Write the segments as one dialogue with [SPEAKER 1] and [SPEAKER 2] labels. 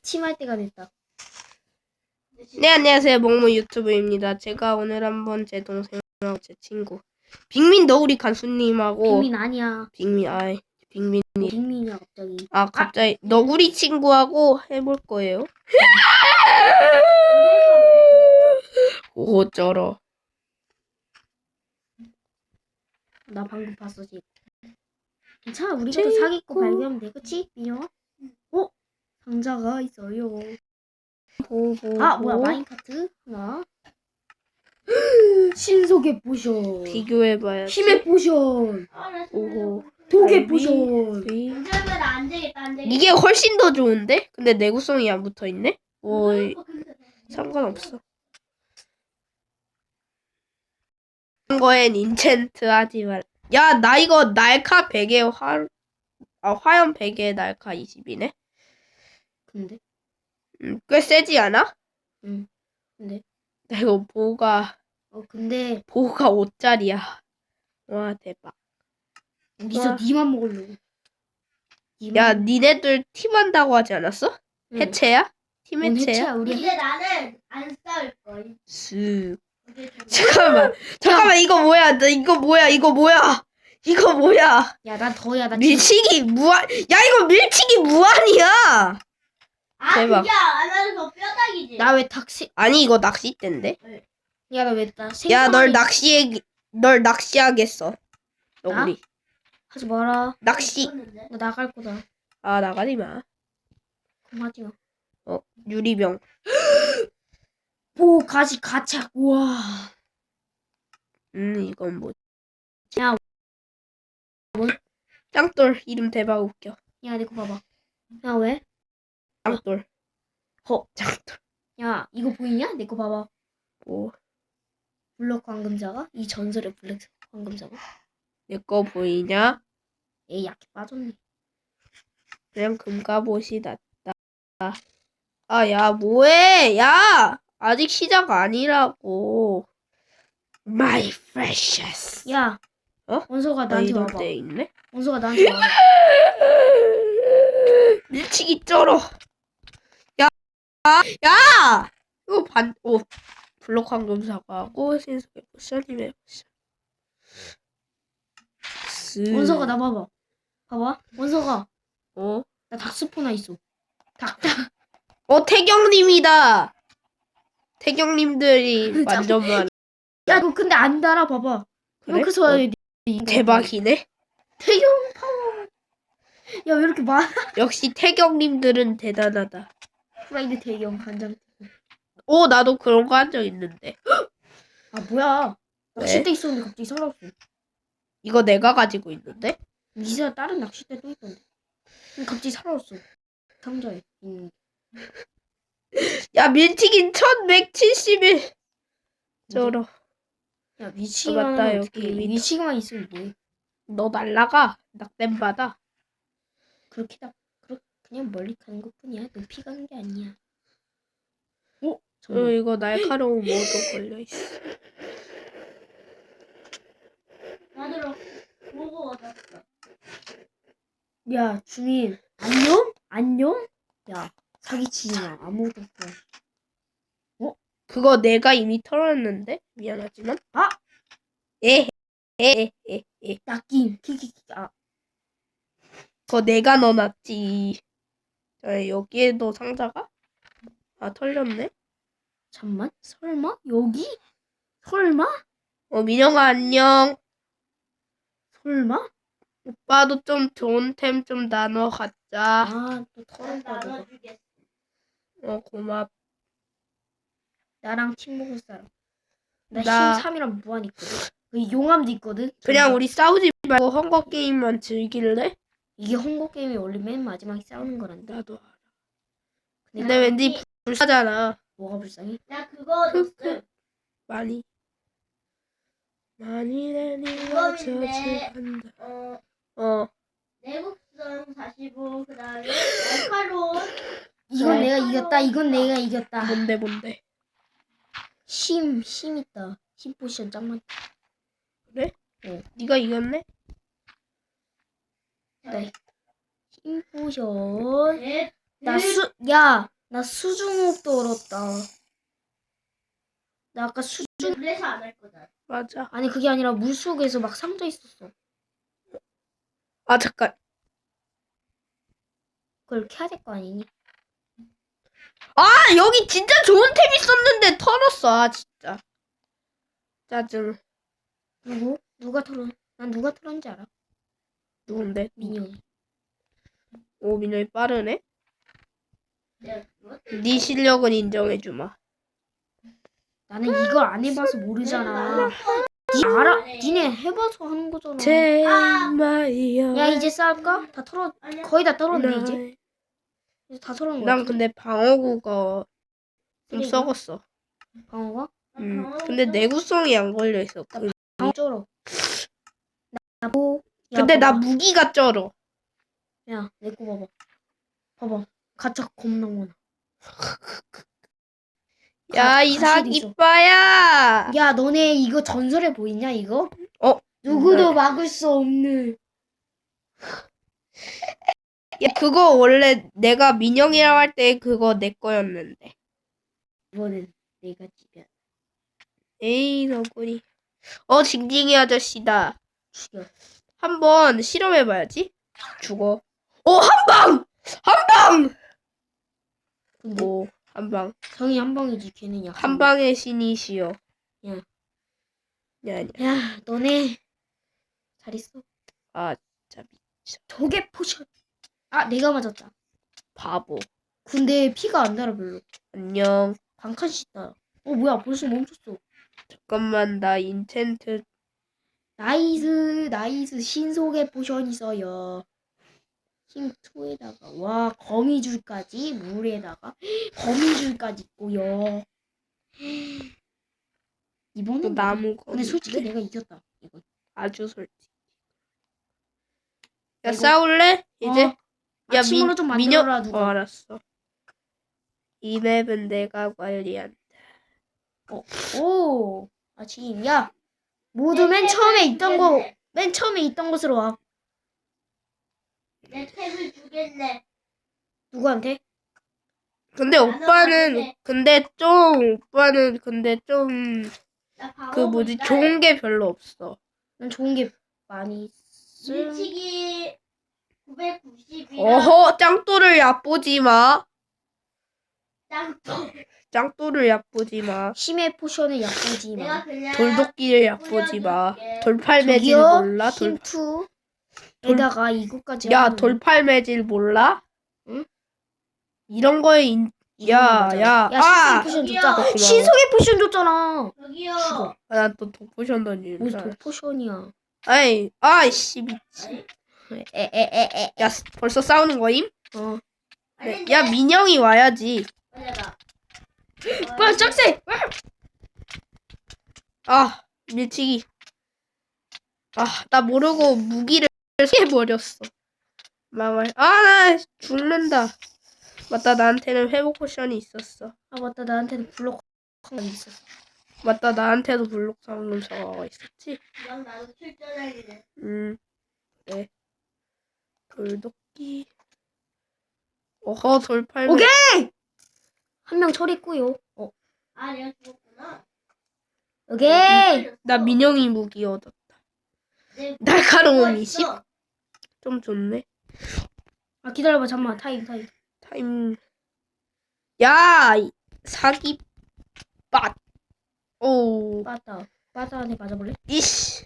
[SPEAKER 1] 기침할 때가 됐다.
[SPEAKER 2] 네, 안녕하세요. 먹무 유튜브입니다. 제가 오늘 한번 제 동생하고 제 친구 빅민 너구리 간수님하고
[SPEAKER 1] 빅민 아니야.
[SPEAKER 2] 빅민
[SPEAKER 1] 빅민이야 갑자기.
[SPEAKER 2] 갑자기 너구리 친구하고 해볼 거예요. 오 쩔어.
[SPEAKER 1] 나 방금 봤어 지금. 괜찮아 우리가 또 사기꾼 발견하면 돼. 그치? 민영아? 상자가 있어요. 뭐야 마인카트? 하나. 신속의 포션.
[SPEAKER 2] 비교해봐야지.
[SPEAKER 1] 힘의 포션.
[SPEAKER 2] 오호.
[SPEAKER 1] 독의 포션.
[SPEAKER 2] 이게 훨씬 더 좋은데? 근데 내구성이 안 붙어있네? 뭐 상관없어. 이런 거엔 인챈트 하지 말. 야, 나 이거 날카 100에 화염 100에 날카 20이네?
[SPEAKER 1] 근데?
[SPEAKER 2] 꽤 세지 않아?
[SPEAKER 1] 응. 근데?
[SPEAKER 2] 나 이거 보호가
[SPEAKER 1] 근데
[SPEAKER 2] 5짜리야. 와, 대박.
[SPEAKER 1] 어디서 니만 먹으려고.
[SPEAKER 2] 야, 니네들 팀 한다고 하지 않았어?
[SPEAKER 1] 응.
[SPEAKER 2] 해체야? 팀
[SPEAKER 1] 뭔
[SPEAKER 2] 해체야?
[SPEAKER 1] 해체야 우리.
[SPEAKER 3] 근데 나는 안 싸울걸.
[SPEAKER 2] 쓱. 잠깐만, 이거 뭐야? 이거 뭐야?
[SPEAKER 1] 야 난 더야. 나
[SPEAKER 2] 밀치기 무한. 야, 이거 밀치기 무한이야.
[SPEAKER 3] 아,
[SPEAKER 2] 대박.
[SPEAKER 3] 그게 안 하는 거 뼈다귀지.
[SPEAKER 1] 나 왜 탁시?
[SPEAKER 2] 아니, 이거 낚싯대인데?
[SPEAKER 1] 야 나 왜 나
[SPEAKER 2] 야,
[SPEAKER 1] 생선이
[SPEAKER 2] 널 낚시하겠어. 너구리.
[SPEAKER 1] 하지 마라.
[SPEAKER 2] 낚시.
[SPEAKER 1] 나 나갈 거다.
[SPEAKER 2] 아, 나가지 마.
[SPEAKER 1] 그럼 하지 마.
[SPEAKER 2] 유리병.
[SPEAKER 1] 오 가착. 우와.
[SPEAKER 2] 이건 뭐.
[SPEAKER 1] 야.
[SPEAKER 2] 짱돌. 이름 대박 웃겨.
[SPEAKER 1] 야 내 거 봐봐. 야 왜?
[SPEAKER 2] 짱돌. 짱돌.
[SPEAKER 1] 야 이거 보이냐? 내 거 봐봐.
[SPEAKER 2] 뭐.
[SPEAKER 1] 블럭 황금자가? 이 전설의 블랙 황금자가?
[SPEAKER 2] 내 거 보이냐?
[SPEAKER 1] 얘 약해 빠졌네.
[SPEAKER 2] 그냥 금갑옷이 낫다. 아, 야, 뭐해? 야! 아직 시작 아니라고. My precious.
[SPEAKER 1] 야. 원서가 나한테
[SPEAKER 2] 이럴
[SPEAKER 1] 와봐.
[SPEAKER 2] 때 있네?
[SPEAKER 1] 원서가 나한테 와봐.
[SPEAKER 2] 밀치기 쩔어. 야! 이거 블록 황금 사과하고 신속의 포션, 힘의 포션.
[SPEAKER 1] 원서가 나 봐봐. 봐봐. 원서가.
[SPEAKER 2] 어?
[SPEAKER 1] 나 닥스포나 있어.
[SPEAKER 2] 태경님이다. 태경님들이 완전 많아.
[SPEAKER 1] 야 너 근데 안 달아 봐봐.
[SPEAKER 2] 그래?
[SPEAKER 1] 그래서
[SPEAKER 2] 대박이네.
[SPEAKER 1] 태경 파워. 야 왜 이렇게 많아?
[SPEAKER 2] 역시 태경님들은 대단하다.
[SPEAKER 1] 프라이드 태경 간장.
[SPEAKER 2] 나도 그런 거 한 적 있는데.
[SPEAKER 1] 아 뭐야?
[SPEAKER 2] 왜?
[SPEAKER 1] 낚싯대 있었는데 갑자기 사라졌어.
[SPEAKER 2] 이거 내가 가지고 있는데?
[SPEAKER 1] 이사 다른 낚싯대 또 있던데. 근데 갑자기 사라졌어. 상자에 있는.
[SPEAKER 2] 야, 밀치긴 1171. 쩔어.
[SPEAKER 1] 야 위치만
[SPEAKER 2] 맞다,
[SPEAKER 1] 하면
[SPEAKER 2] 여기
[SPEAKER 1] 어떻게 위치만 있으면 뭐해?
[SPEAKER 2] 너 날라가. 낙댐 받아.
[SPEAKER 1] 그냥 멀리 가는 것뿐이야. 높이 가는 게 아니야.
[SPEAKER 2] 이거 날카로운 모드 걸려있어.
[SPEAKER 3] 나들어 보고 왔어.
[SPEAKER 1] 야 주민 안녕? 야 사기치지 마. 아무것도 없어.
[SPEAKER 2] 그거 내가 이미 털었는데? 미안하지만.
[SPEAKER 1] 아!
[SPEAKER 2] 에.
[SPEAKER 1] 낚임 키키키. 아
[SPEAKER 2] 그거 내가 넣어놨지. 여기에도 상자가? 털렸네?
[SPEAKER 1] 잠만 설마 여기? 설마?
[SPEAKER 2] 민영아, 안녕.
[SPEAKER 1] 설마?
[SPEAKER 2] 오빠도 좀 좋은 템 좀 나눠 갖자.
[SPEAKER 1] 또 털었다 너가.
[SPEAKER 3] 나눠주겠어.
[SPEAKER 2] 고맙.
[SPEAKER 1] 나랑 팀 먹을 사람. 나
[SPEAKER 2] 나-
[SPEAKER 1] 13이랑 무한 있거든. 그 용암도 있거든.
[SPEAKER 2] 그냥 우리 싸우지 말고 헝거 게임만 즐길래?
[SPEAKER 1] 이게 헝거 게임이 원래 맨 마지막에 싸우는 거란다.
[SPEAKER 2] 나도 알아.
[SPEAKER 1] 근데
[SPEAKER 2] 근데 왠지 불사잖아.
[SPEAKER 1] 뭐가 불쌍해?
[SPEAKER 3] 나 그거 넣었어.
[SPEAKER 2] 많이 내리고
[SPEAKER 3] 그거인데,
[SPEAKER 2] 저주간다.
[SPEAKER 3] 내국성 45 그다음에 날카로운
[SPEAKER 1] 이건 내가 이겼다. 이건 내가 이겼다.
[SPEAKER 2] 뭔데?
[SPEAKER 1] 힘 있다. 힘 포션 짱 많다.
[SPEAKER 2] 그래? 네가 이겼네?
[SPEAKER 1] 네. 힘 포션.
[SPEAKER 3] 넷,
[SPEAKER 1] 야 나 수중호흡도 얼었다. 나 아까
[SPEAKER 3] 그래서 안 할 거다.
[SPEAKER 2] 맞아.
[SPEAKER 1] 아니 그게 아니라 물속에서 막 상자 있었어.
[SPEAKER 2] 아 잠깐.
[SPEAKER 1] 그걸 캐야 될 거 아니니?
[SPEAKER 2] 아 여기 진짜 좋은 템 있었는데 털었어. 아 진짜. 짜증.
[SPEAKER 1] 누구? 난 누가 털었는지 알아?
[SPEAKER 2] 누군데?
[SPEAKER 1] 민영이.
[SPEAKER 2] 오 민영이 빠르네.
[SPEAKER 3] 내가 그거?
[SPEAKER 2] 네 실력은 인정해주마.
[SPEAKER 1] 나는 이걸 안 해봐서 모르잖아. 니 알아? 니네 해봐서 하는 거잖아.
[SPEAKER 2] 제마이야.
[SPEAKER 1] 야 이제 싸울까? 다 털어.
[SPEAKER 3] 아니야.
[SPEAKER 1] 거의 다 털었네 이제. 이제 다 털은 거
[SPEAKER 2] 난
[SPEAKER 1] 같아.
[SPEAKER 2] 근데 방어구가 좀
[SPEAKER 1] 쓰레기야?
[SPEAKER 2] 썩었어.
[SPEAKER 1] 방어가?
[SPEAKER 2] 근데 내구성이 안 걸려 있어.
[SPEAKER 1] 방어 쩔어. 나 뭐? 야,
[SPEAKER 2] 근데 나
[SPEAKER 1] 봐봐.
[SPEAKER 2] 무기가 쩔어.
[SPEAKER 1] 야, 내 거 봐봐. 봐봐. 가짜 겁나 많아.
[SPEAKER 2] 야 이삭
[SPEAKER 1] 가실이 있어.
[SPEAKER 2] 이빠야.
[SPEAKER 1] 야, 너네 이거 전설에 보이냐 이거?
[SPEAKER 2] 어?
[SPEAKER 1] 누구도 막을 수 없는.
[SPEAKER 2] 야 그거 원래 내가 민영이라고 할 때 그거 내 거였는데.
[SPEAKER 1] 이번엔 내가 지면
[SPEAKER 2] 에이 너구리. 징징이 아저씨다.
[SPEAKER 1] 죽여.
[SPEAKER 2] 한번 실험해봐야지. 죽어. 한 방.
[SPEAKER 1] 근데
[SPEAKER 2] 한 방.
[SPEAKER 1] 정이 한 방이지 걔는 약.
[SPEAKER 2] 한 방의 신이시여.
[SPEAKER 1] 야.
[SPEAKER 2] 야.
[SPEAKER 1] 야, 너네 잘 있어.
[SPEAKER 2] 아 진짜 미쳐.
[SPEAKER 1] 조개 포션. 아, 내가 맞았다.
[SPEAKER 2] 바보.
[SPEAKER 1] 근데 피가 안 달아 별로.
[SPEAKER 2] 안녕.
[SPEAKER 1] 반칸씩 달아. 뭐야 벌써 멈췄어.
[SPEAKER 2] 잠깐만 나 인챈트.
[SPEAKER 1] 나이스 신속의 포션 있어요. 힘 2에다가 와 거미줄까지 물에다가 거미줄까지 있고요.
[SPEAKER 2] 또
[SPEAKER 1] 이번엔
[SPEAKER 2] 나무 거.
[SPEAKER 1] 근데 솔직히 내가 이겼다 이거.
[SPEAKER 2] 아주 솔직히. 야
[SPEAKER 1] 이거-
[SPEAKER 2] 싸울래? 이제? 야
[SPEAKER 1] 아침으로 좀 만들어라 누가.
[SPEAKER 2] 알았어. 이 맵은 내가 관리한다.
[SPEAKER 1] 오 아침 야 모두 맨 처음에 있던 곳으로 와.
[SPEAKER 3] 내 탭을 주겠네.
[SPEAKER 1] 누구한테?
[SPEAKER 2] 근데
[SPEAKER 3] 나는
[SPEAKER 2] 오빠는
[SPEAKER 3] 봤는데.
[SPEAKER 2] 근데 좀
[SPEAKER 3] 나 방어
[SPEAKER 2] 그 뭐지
[SPEAKER 3] 보니까
[SPEAKER 2] 좋은 게 별로 없어.
[SPEAKER 1] 난 좋은 게 많이 있어.
[SPEAKER 3] 밀치기 990이랑
[SPEAKER 2] 어허 짱또를 얕보지 마.
[SPEAKER 3] 짱또.
[SPEAKER 2] 짱또를 얕보지 마.
[SPEAKER 1] 힘의 포션을 얕보지
[SPEAKER 3] 내가
[SPEAKER 1] 마.
[SPEAKER 3] 그냥
[SPEAKER 2] 돌도끼를 얕보지 마.
[SPEAKER 3] 뿌려줄게.
[SPEAKER 2] 돌팔 매질
[SPEAKER 1] 저기요
[SPEAKER 2] 몰라?
[SPEAKER 1] 힘 2에다가 이거까지
[SPEAKER 2] 야
[SPEAKER 1] 하면
[SPEAKER 2] 돌팔 매질 몰라?
[SPEAKER 1] 응?
[SPEAKER 2] 이런 거에 야.
[SPEAKER 1] 신속의 포션
[SPEAKER 3] 저기요.
[SPEAKER 1] 줬잖아.
[SPEAKER 2] 고마워.
[SPEAKER 1] 신속의 포션 줬잖아.
[SPEAKER 3] 저기요.
[SPEAKER 1] 죽어.
[SPEAKER 2] 난 또 독포션 던지는
[SPEAKER 1] 무슨
[SPEAKER 2] 줄 알았어.
[SPEAKER 1] 독포션이야.
[SPEAKER 2] 아이씨 미친.
[SPEAKER 1] 에에에에.
[SPEAKER 2] 야 벌써 싸우는 거임?
[SPEAKER 1] 어.
[SPEAKER 2] 네. 야 민영이 와야지.
[SPEAKER 3] 맞아.
[SPEAKER 1] 빨리 짝새.
[SPEAKER 2] 아 밀치기. 나 모르고 무기를 해버렸어. 망할. 나 죽는다. 맞다 나한테는 회복 포션이 있었어.
[SPEAKER 1] 아 맞다 나한테는 블록 한 있었어.
[SPEAKER 2] 맞다 나한테도 블록 상금 저거가 있었지.
[SPEAKER 3] 이건 나도 출전하기네.
[SPEAKER 2] 네. 돌도끼. 돌팔.
[SPEAKER 1] 오케이. 한 명 처리했고요.
[SPEAKER 3] 아, 내가 죽었구나.
[SPEAKER 1] 오케이.
[SPEAKER 2] 나 민영이 무기 얻었다.
[SPEAKER 3] 내
[SPEAKER 2] 날카로움
[SPEAKER 3] 그거
[SPEAKER 2] 20.
[SPEAKER 3] 있어.
[SPEAKER 2] 좀 좋네.
[SPEAKER 1] 아 기다려봐 잠만 타임.
[SPEAKER 2] 타임. 야 사기 빠. 오.
[SPEAKER 1] 빠따한테 맞아볼래?
[SPEAKER 2] 이씨.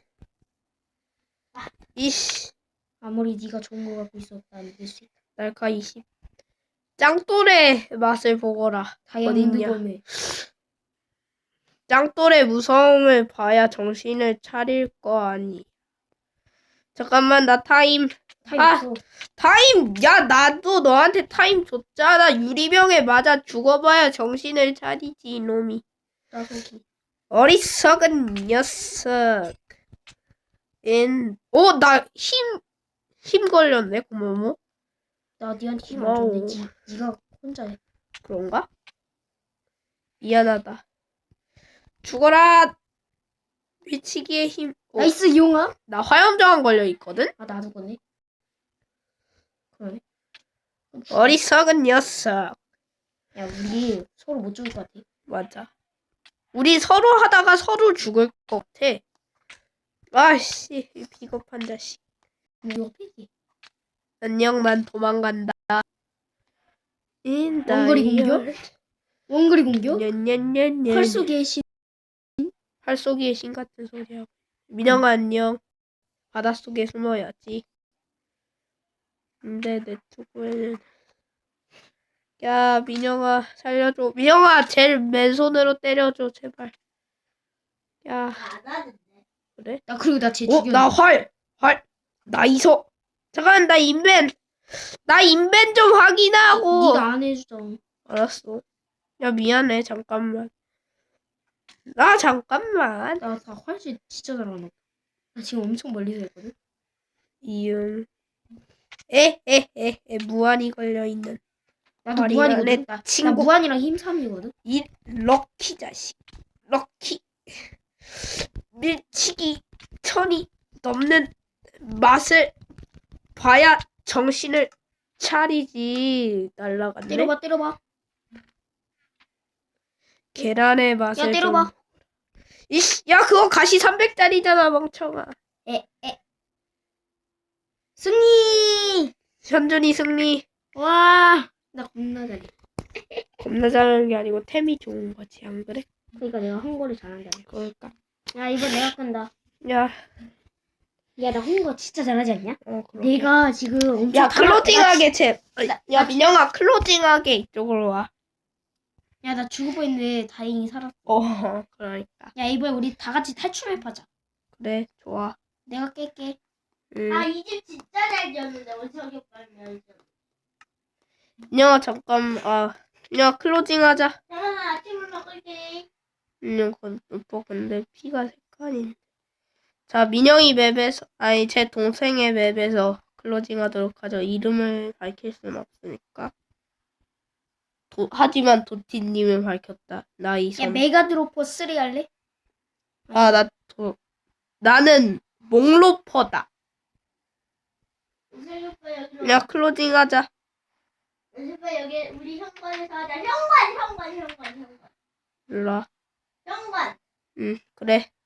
[SPEAKER 1] 아무리 네가 좋은 거 갖고 있어도 난 이길 수 있다.
[SPEAKER 2] 날카 20. 짱돌의 맛을 보거라.
[SPEAKER 1] 다이아몬드
[SPEAKER 2] 어딨냐?
[SPEAKER 1] 검에.
[SPEAKER 2] 짱돌의 무서움을 봐야 정신을 차릴 거 아니. 잠깐만 나 타임.
[SPEAKER 1] 없어.
[SPEAKER 2] 타임. 야 나도 너한테 타임 줬잖아. 유리병에 맞아 죽어봐야 정신을 차리지 이놈이.
[SPEAKER 1] 나서기.
[SPEAKER 2] 어리석은 녀석. 나 힘 걸렸네. 고마워.
[SPEAKER 1] 나 니한테 힘 안
[SPEAKER 2] 와우.
[SPEAKER 1] 줬네. 니가 혼자 해.
[SPEAKER 2] 그런가? 미안하다. 죽어라. 미치기의 힘.
[SPEAKER 1] 나이스 이용아.
[SPEAKER 2] 나 화염저항 걸려 있거든.
[SPEAKER 1] 아 나도 거네. 그러네.
[SPEAKER 2] 어리석은 녀석.
[SPEAKER 1] 야 우리 서로 못 죽을 것 같아.
[SPEAKER 2] 맞아. 우리 서로 하다가 서로 죽을 것 같아. 아씨, 이 비겁한 자식.
[SPEAKER 1] 이거 패기.
[SPEAKER 2] 안녕, 난 도망간다. In the
[SPEAKER 1] 원거리 공격?
[SPEAKER 2] yard.
[SPEAKER 1] 원거리 공격?
[SPEAKER 2] 냐냐냐냐.
[SPEAKER 1] 활쏘기의 신.
[SPEAKER 2] 활쏘기의 신 같은 소리하고. 민영아 안녕. 바닷속에 숨어야지. 근데 내 투구에는 야 민영아 살려줘. 민영아 제일 맨손으로 때려줘 제발. 야
[SPEAKER 3] 안 하는데.
[SPEAKER 2] 그래?
[SPEAKER 1] 나 그리고 나쟤
[SPEAKER 2] 어?
[SPEAKER 1] 죽여.
[SPEAKER 2] 나 활! 나 이소! 잠깐 나 인벤! 나 인벤 좀 확인하고!
[SPEAKER 1] 네가 안 해주잖아.
[SPEAKER 2] 알았어. 야 미안해 잠깐만. 나 잠깐만.
[SPEAKER 1] 나 활쏘기 진짜 잘하나. 나 지금 엄청 멀리서 했거든.
[SPEAKER 2] 이응. 무한히 걸려있는
[SPEAKER 1] 나도
[SPEAKER 2] 머리
[SPEAKER 1] 무한이거든.
[SPEAKER 2] 안에
[SPEAKER 1] 나
[SPEAKER 2] 친구.
[SPEAKER 1] 무한이랑 힘3이거든.
[SPEAKER 2] 이 럭키 자식. 럭키. 밀치기 천이 넘는 맛을 봐야 정신을 차리지. 날라갔네.
[SPEAKER 1] 때려봐.
[SPEAKER 2] 계란의 맛을
[SPEAKER 1] 야, 때려봐.
[SPEAKER 2] 좀. 이씨, 야 그거 가시 300짜리잖아 멍청아.
[SPEAKER 1] 승리!
[SPEAKER 2] 현준이 승리.
[SPEAKER 1] 와, 나 겁나 잘해.
[SPEAKER 2] 겁나 잘하는 게 아니고 템이 좋은 거지 안 그래?
[SPEAKER 1] 그러니까 내가 헝거를 잘한다.
[SPEAKER 2] 그럴까?
[SPEAKER 1] 야, 이거 내가 끈다.
[SPEAKER 2] 야,
[SPEAKER 1] 야, 나 헝거 진짜 잘하지 않냐?
[SPEAKER 2] 그러게.
[SPEAKER 1] 내가 지금 엄청
[SPEAKER 2] 야 클로징하게 제. 야
[SPEAKER 1] 나-
[SPEAKER 2] 민영아 클로징하게 이쪽으로 와.
[SPEAKER 1] 야, 나 죽을 뻔했는데 다행히 살았어.
[SPEAKER 2] 그러니까.
[SPEAKER 1] 야, 이번에 우리 다 같이 탈출해보자.
[SPEAKER 2] 그래 좋아.
[SPEAKER 1] 내가 깰게.
[SPEAKER 3] 아, 이 집 진짜 잘 지었는데 어디서 빨면.
[SPEAKER 2] 민영아 잠깐. 민영아 클로징하자.
[SPEAKER 3] 잠깐만 아침을 먹을게.
[SPEAKER 2] 오빠 근데 피가 색깔이. 자 민영이 맵에서 제 동생의 맵에서 클로징하도록 하죠. 이름을 밝힐 수는 없으니까. 하지만 도티님은 밝혔다.
[SPEAKER 1] 야,
[SPEAKER 2] 나이선.
[SPEAKER 1] 메가드로퍼 3 할래?
[SPEAKER 2] 나는 몽로퍼다.
[SPEAKER 3] 우승 오빠 여기로.
[SPEAKER 2] 야 클로징하자.
[SPEAKER 3] 우승 오빠 여기 우리 현관에서 하자. 현관.
[SPEAKER 2] 일로와.
[SPEAKER 3] 현관.
[SPEAKER 2] 그래.